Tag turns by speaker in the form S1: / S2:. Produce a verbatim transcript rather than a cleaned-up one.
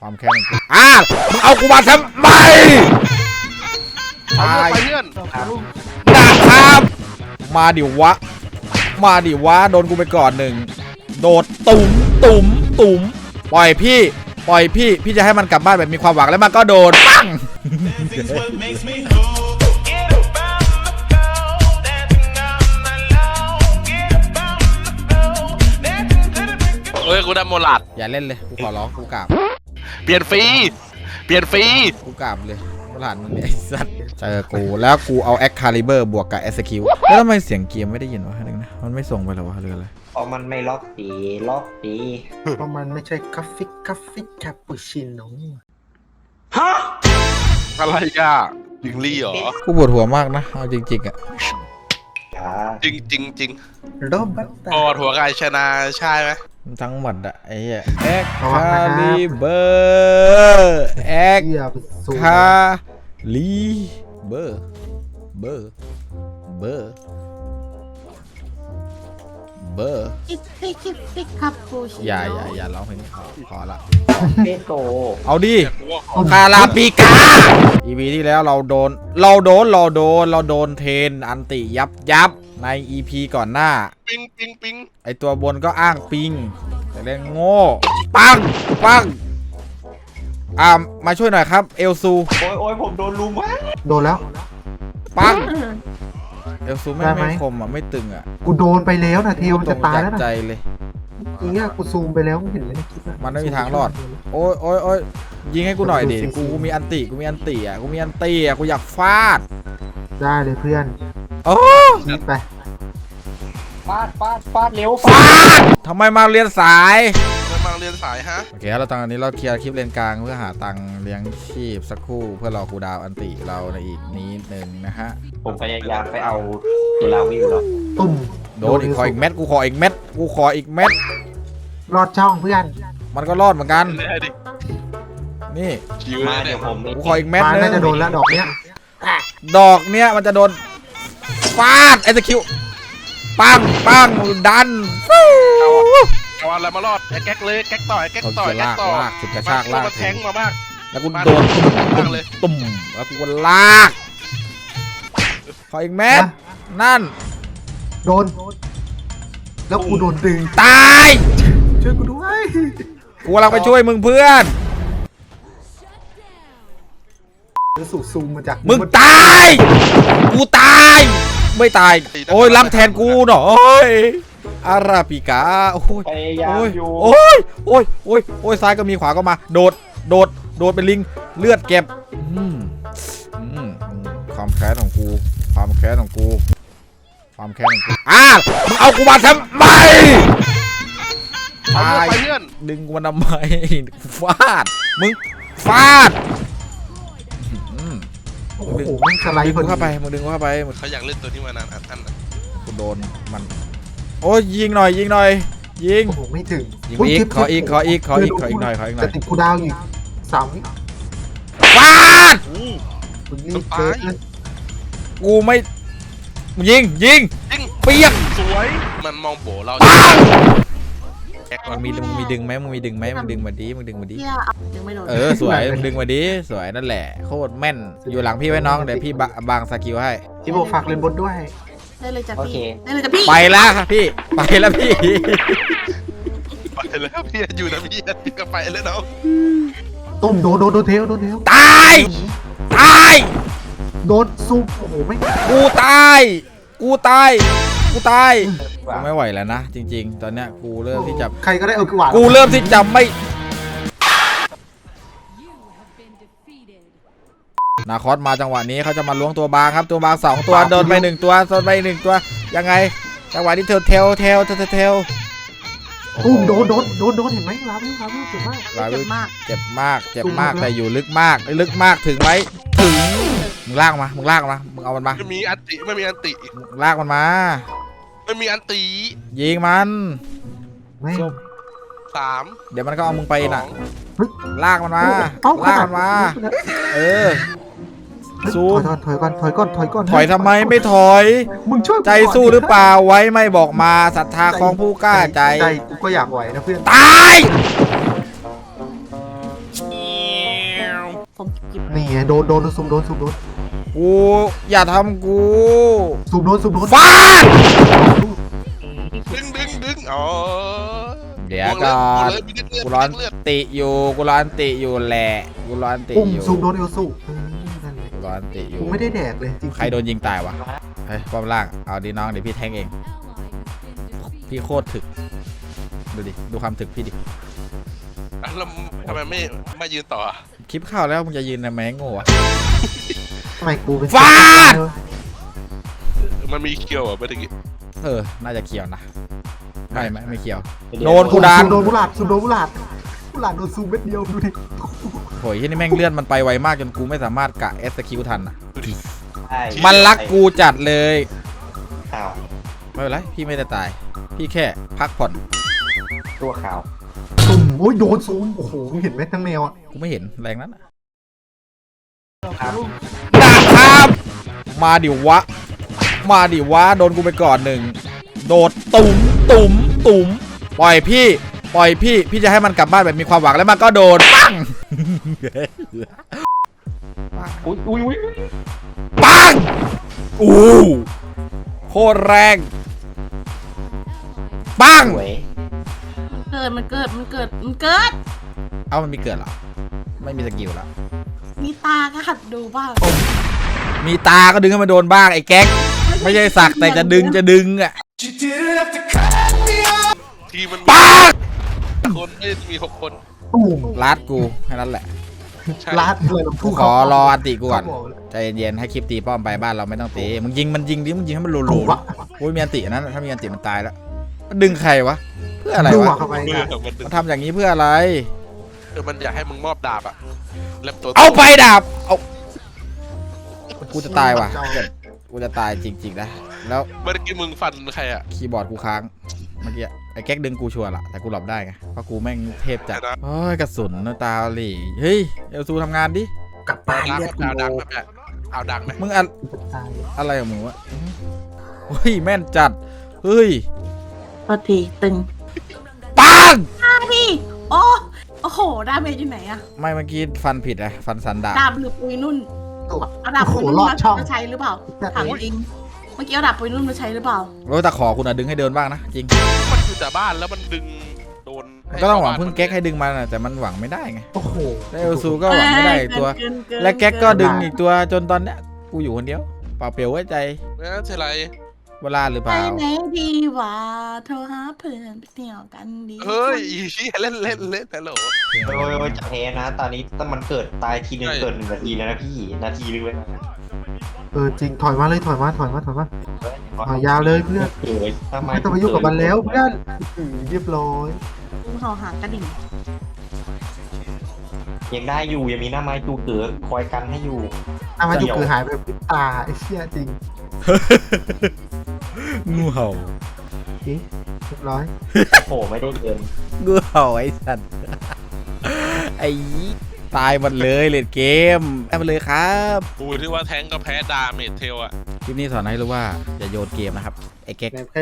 S1: ความแค้นอ้ามึงเอากูมาทำไมตายเพื่อนนะครับมาดิวะมาดิวะโดนกูไปก่อนหนึ่งโดดตุ่มตุ่มตุ่มปล่อยพี่ปล่อยพี่พี่จะให้มันกลับบ้านแบบมีความหวังแล้วมันก็โดนปัง
S2: เฮ้ยกูได้โมลัด
S1: อย่าเล่นเลยกูขอร้องกูกราบ
S2: เปลี่ยนฟรีเปลี่ยนฟรี
S1: กูกราบเลยโมลัดมึงไอ้สัตว์เจอกูแล้วกูเอาแอคคาลิเบอร์บวกกับเอสคิวแล้วทำไมเสียงเกมไม่ได้ยินวะนึงนะมันไม่ส่งไปหรอวะหรืออะไร
S3: เพราะมันไม่ล็อกดีล็อกดี
S4: เพราะมันไม่ใช่กาแฟกาแฟคาปูชิโน่
S2: ฮะอะไรอ่ะยิงลี่เหรอ
S1: กูปวดหัวมากนะเอาจริงๆอ่ะ
S2: จริงจริงจริง
S4: โรบัตตา
S2: ปวดหัวกายชนะใช่ไหม
S1: ทั้งหมดอะไอ้เหี้ยแอคคาลิเบอร์แอคคาลิเบอร์เบอร์เบอร์เบอร์อย่าอย่าอย่าร้องเพลงนี้พอละ
S3: เบโก
S1: เอาดิคาราปิกาอีพีที่แล้วเราโดนเราโดนเราโดนเราโดนเทนอันติยับยับใน อี พี ก่อนหน้า
S2: ปิงปิงปิง
S1: ไอตัวบนก็อ้างปิงแต่เล่นโง่ปังปังอ่ามาช่วยหน่อยครับเอลซู
S3: โอ้ยโอ้ยผมโดนลุมวะ
S4: โดนแล้ว
S1: ปังเอลซูไม่ไม่คมอ่ะไม่ตึงอ่ะ
S4: กูโดนไปแล้วนะเทวมันจะตายแล้วนะ
S1: ใจเลย
S4: อีเงี้ยกูซูมไปแล้วเห็นไหมในคลิป
S1: มันไม่มีทางรอดโอ้ยโอ้ยโอ้ยยิงให้กูหน่อยดิกูกูมีอันติกูมีอันติอ่ะกูมีอันติอ่ะกูอยากฟาด
S4: ได้เลยเพื่อน
S1: โอ้
S4: นี่ไป
S3: ฟาดฟาดฟาดเร็ว
S1: ฟาดทำไมมาเรียนสาย
S2: มาเรียนสายฮะ
S1: โอเคเราตอนนี้เราเคลียร์คลิปเลนกลางเพื่อหาตังค์เลี้ยงชีพสักครู่เพื่อรอคูดาวอันติเราในอีกนิดนึงนะฮะ
S3: ผมพยายามไปเอาตัวลาวิวแล้ว
S4: ตุ่ม
S1: โดนอีกขออีกเม็ดกูขออีกเม็ดกูขออีกเม็ด
S4: รอดช่องเพื่อน
S1: มันก็รอดเหมือนกันนี่
S3: มาเดี๋ยวผม
S1: กูขออีกเม็ดนึง
S4: น่าจะโดนแล้วดอกเนี้ย
S1: ดอกเนี้ยมันจะโดนฟาดไอสคิวปังปังดัน
S2: เอาอะไรมารอดแก๊กเลยแก๊กต่อยแก๊กต่อยแก๊กต่อ
S1: ลากสุดกระชากลาก
S2: แทงมามาก
S1: แล้วกูโดนตุ่มตุ่มแล้วกูลากขออีกเม็ดนั่น
S4: โดนแล้วกูโดนดึง
S1: ตาย
S4: ช่วยกูด้วย
S1: กูกำลังไปช่วยมึงเพื่อน
S4: สูซูมมาจาก
S1: มึงตายกูตายไม่ตายโอ้ยรับแทนกูหน่อยอาราปิกาโอ้ยโอ้ยโอ้ยโอ้ยโอ้ยโอ้ยซ้ายก็มีขวาก็มาโดดโดดโดดเป็นลิงเลือดเก็บความแค้นของกูความแค้นของกูความแค้นของกูอ้ามึงเอากูมาทำไม
S2: ตายเพื่อน
S1: ดึงกูมาทำไมฟาดมึงฟาด
S4: โอ้โหมันสไลด์
S1: เข้าไปมึงดึงเข้าไป
S2: เขาอยากเล่นตัวนี้มานานอันอัน
S1: กูโดนมันโอ้ยยิงหน่อยยิงหน่อยยิง
S4: โอ้โหไม่ถึง
S1: ยิงอีกขออีกขออีกขออีกขออีกหน่อยขออีกหน่อย
S4: จะติดกูดาวอีกสามวิ
S1: ฟาด
S4: มึงรีบเกิน
S1: กูไม่ยิงยิงเปียก
S2: สวยมันมองโบเรา
S1: มึงมีมึงมีดึงไหมมึงมีดึงไหมมึงดึงมาดิมึงดึงมาดิเออส
S4: ว
S1: ยมึงดึงมาดิสวยนั่นแหละโคตรแม่นอยู่หลังพี่ไว้น้องเดี๋ยวพี่บางสกิลให้
S4: พี่โบฝากเล่นบนด้วย
S5: ได้เลยจ้ะพี่ได้เลยจ้ะพี่
S1: ไปแล้วครับพี่ไปแล้วพี่
S2: ไปแล้วพี่อยู่นะพี่พี่ก็ไปแล้วเนาะ
S4: ต้มโดนโดนโดนเทลโดนเทล
S1: ตายตาย
S4: โดนซุปโอ้โหไม่
S1: กูตายกูตายกูตายกูไม่ไหวแล้วนะจริงๆตอนเนี้ยกูเริ่มที่จะ
S4: ใครก็ได้เอากวาด
S1: กูเริ่มที่จะไม่นาคอสมาจังหวะนี้เขาจะมาล้วงตัวบางครับตัวบางสองตัวโดนไปหนึ่งตัวโดนไปหนึ่งตัวยังไงจังหวะที่เทลเทลเทลเทลเทล
S4: ตุ้มโดนโดนโดนโดนเห็นไหมลาวิวลาวิวเจ็บมาก
S1: ลาวิวเจ็บมากเจ็บมากแต่อยู่ลึกมากลึกมากถึงไหมถึงมึงลากมามึงลากมามึงเอามันมา
S2: ไม่มีอันติไม่มีอันติ
S1: ลากมันมา
S2: ไม่มีอันติ
S1: ยิงมัน
S2: สาม
S1: เดี๋ยวมันก็เอามึงไปน่ะลากมันมาลากมันมาเออสู้
S4: ถอยก่อนถอยก่อนถอยก่อน
S1: ถอยทำไมไม่ถอย
S4: มึงช่วย
S1: ใจสู้หรือเปล่าไว้ไม่บอกมาศรัทธาของผู้กล้าใจ
S4: ใจกูก็อยากไหวนะเพื่อน
S1: ตาย
S5: ของกิบ
S4: นี่ไงโดนโดนซุ่มโดนซุ่มโดน
S1: กูอย่าทำกู
S4: ซุ่มโดนซุ่มโดน
S1: ฟาด
S2: ดึงดึงดึงอ๋อ
S1: เดี๋ยวก่อน
S2: เลยมีเลือด
S1: กูร้อน
S2: เลือด
S1: ติอยู่กูร้อนติอยู่แหละกูร้อนติ
S4: อุ้ม
S1: อยู่
S4: ซุ่มโดนเอลซูเออนั่นแหละ
S1: กูร้อนติอยู่
S4: กูไม่ได้แดกเลยจริงๆ
S1: ใครโดนยิงตายวะเฮ้ยป้อมล่างเอาดีน้องเดี๋ยวพี่แทงเองพี่โคตรถึกดูดิดูความถึกพี่ดิ
S2: อ่ะแล้วทำไมไม่ไม่ยืนต่ออ่ะ
S1: คลิปเข้าแล้วมึงจะยืนทำไมโง่อะ
S4: ทำไมกูเป็น
S1: ฟาด
S2: มันมีเคียวอ่ะเมื่อกี้
S1: เออน่าจะเขียวนะไม่ไม่ไม่เขียว
S3: เดี๋ยว
S1: โดนกูดัน
S4: ซุ่มโดนบุหลาดซุ่มโดนบุหลาดบุหลาดโดนซุ่มเม็ดเดียวดูดิ
S1: โหยที่นี่แม่งเลื่อนมันไปไวมากจนกูไม่สามารถกะเอสคิวทันอ่ะ
S3: ใช่
S1: มันรักกูจัดเลย
S3: อ้าว
S1: ไม่เป็นไรพี่ไม่ได้ตาย พี่แค่พักผ่อน
S3: ตัวขาว
S4: ซุ่มโอ้ยโดนซุ่มโอ้โหมึงเห็นไหมทั้งแนวอ่ะ
S1: กูไม่เห็นแรงนั้นอะ
S3: ครับ
S1: นะครับมาดิวะ มาดิวะโดนกูไปก่อนหนึ่งโดดตุ่มตุ่มตุ่มปล่อยพี่ปล่อยพี่พี่จะให้มันกลับบ้านแบบมีความหวังแล้วมันก็โดนปัง
S3: อุ้ยอุ้ยอุ้ย
S1: ปังอู้โคตรแรงปัง
S3: สวย
S5: เกิดมันเกิดมันเกิดมันเกิด
S1: เอ้ามันมีเกิดเหรอไม่มีสกิลแล้ว
S5: มีตาก็หัดดูบ้าง
S1: มีตาก็ดึงให้มันโดนบ้างไอ้แก๊กไม่ใช่สักแต่จะดึงจะดึงอ่ะ
S2: ทีมมัน
S1: ปัง
S2: คนไม่ได้มีหกคน
S4: ตุ่ม
S1: ลัดกูแค่นั้นแหละ
S2: ใช่
S4: ลาดเลย
S1: กูขอรออันติกูก่อนใจเย็นๆให้คลิปตีป้อมไปบ้านเราไม่ต้องตีมึงยิงมันยิงดิมึงยิงให้มันโล
S4: ตุ่
S1: โล
S4: มวะ
S1: โอ้ยมีอันติอันนั้นถ้ามีอันติมันตายแล้วมันดึงใครวะเพื่ออะไร
S4: ดู
S1: วะ
S4: เข้าไป
S2: เอ
S4: นะ
S2: อมันดึง
S1: มันทำอย่างนี้เพื่ออะไร
S2: เออมันอยากให้มึงมอบดาบอ่ะแล้วตัว
S1: เอาไปดาบเอากูจะตายว่ะกูจะตายจริงๆนะแล้ว
S2: เมื่อกี้มึงฟันใครอ่ะ
S1: คีย์บอร์ดกูค้างเมื่อกี้ไอ้แก๊กดึงกูชัวร์ละแต่กูหลบได้ไงเพราะกูแม่งเทพจัดโอ้ยกระสุนนะตาหลี่เฮ้ยเอลซูทำงานดิ
S4: กลับบ้าน
S2: ดัง
S4: เลือดกู
S2: เอา
S4: โล
S2: ดังไหมแบบเอาดังไหม
S1: มึงอะ
S4: ตาย
S1: อะไรของมึงวะเฮ้ยแม่นจัดเฮ้ย
S5: ปกติตึง
S1: ปัง
S5: ตาพี่โอ้โอ้โหดาเมจอยู่ไหนอะ
S1: ไม่เมื่อกี้ฟันผิดอะฟันสันดาบ
S5: ดาบหรือปุยนุ่น
S4: ตัว
S5: เอาดาบ
S4: โอ้โห
S5: ปุยนุ่น
S4: ลอดช่อง
S5: มาใช้หรือเปล่าถามจริงเมื่อกี้เอาดาบปุยนุ่นมาใช้หรือเปล่า
S1: โอ้ยแต่ขอคุณอะดึงให้เดินบ้างนะจริง
S2: มันอยู่แต่บ้านแล้วมันดึงโดน
S1: มันก็ต้องหวังพึ่งแก๊กให้ดึงมานะแต่มันหวังไม่ได้ไง
S4: โอ้โห
S1: แล้วเอลซูก็หวังไม่ได้อีกตัว
S5: เกินเน
S1: และแก๊กก็
S5: เน
S1: ดึงอีกตัวจนตอนเนี้ยกูอยู่คนเดียวเปล่าเปลี่ยวไว้ใจ
S2: ไม่ใช่ไร
S1: เวลาหรือเป
S5: ไป
S1: ล่า
S5: ไหนดีวะโทรหาเพื่อนไปเที่ยวกันดี
S2: เฮ้ยอีเหี้ยเล่นเล่นเล่นฮัลโหล
S3: โอ้ยโอ้ยจะแพ้นะ ตอนนี้ถ้ามันเกิดตายทีนึง
S2: ใช่
S3: เกิดหนึ่งนาทีแล้วนะพี่นาทีนึงเลย
S4: เออจริงถอยมาเลยถอยมาถอยมาถอยมาถอยยาวเลยเพื่อน
S3: เกิดทำไม
S4: ไม่ต้องไปยุ่งกับมันแล้วเพื่อนอืมเรียบร้อย
S5: เขาหากระดิ่ง
S3: ยังได้อยู่ยังมีหน้าไม้จูเกิดคอยกันให้อยู่
S4: อ่ะมาดูคือหายไปพริบตาไอ้เชี่ยจริง
S1: งูเห่า
S4: เอ๊ะเรียบร้อย
S3: โอ้โหไม่ได้เดิน
S1: งูเห่าไอ้สัตว์ไอ้ตายหมดเลยเลดเกมตายหมดเลยครับ
S2: กูที่ว่าแทงก็แพ้ดาเมจเทลอ่ะ
S1: คลิปนี้สอนให้รู้ว่าอย่าโยนเกมนะครับไอ้แก๊ก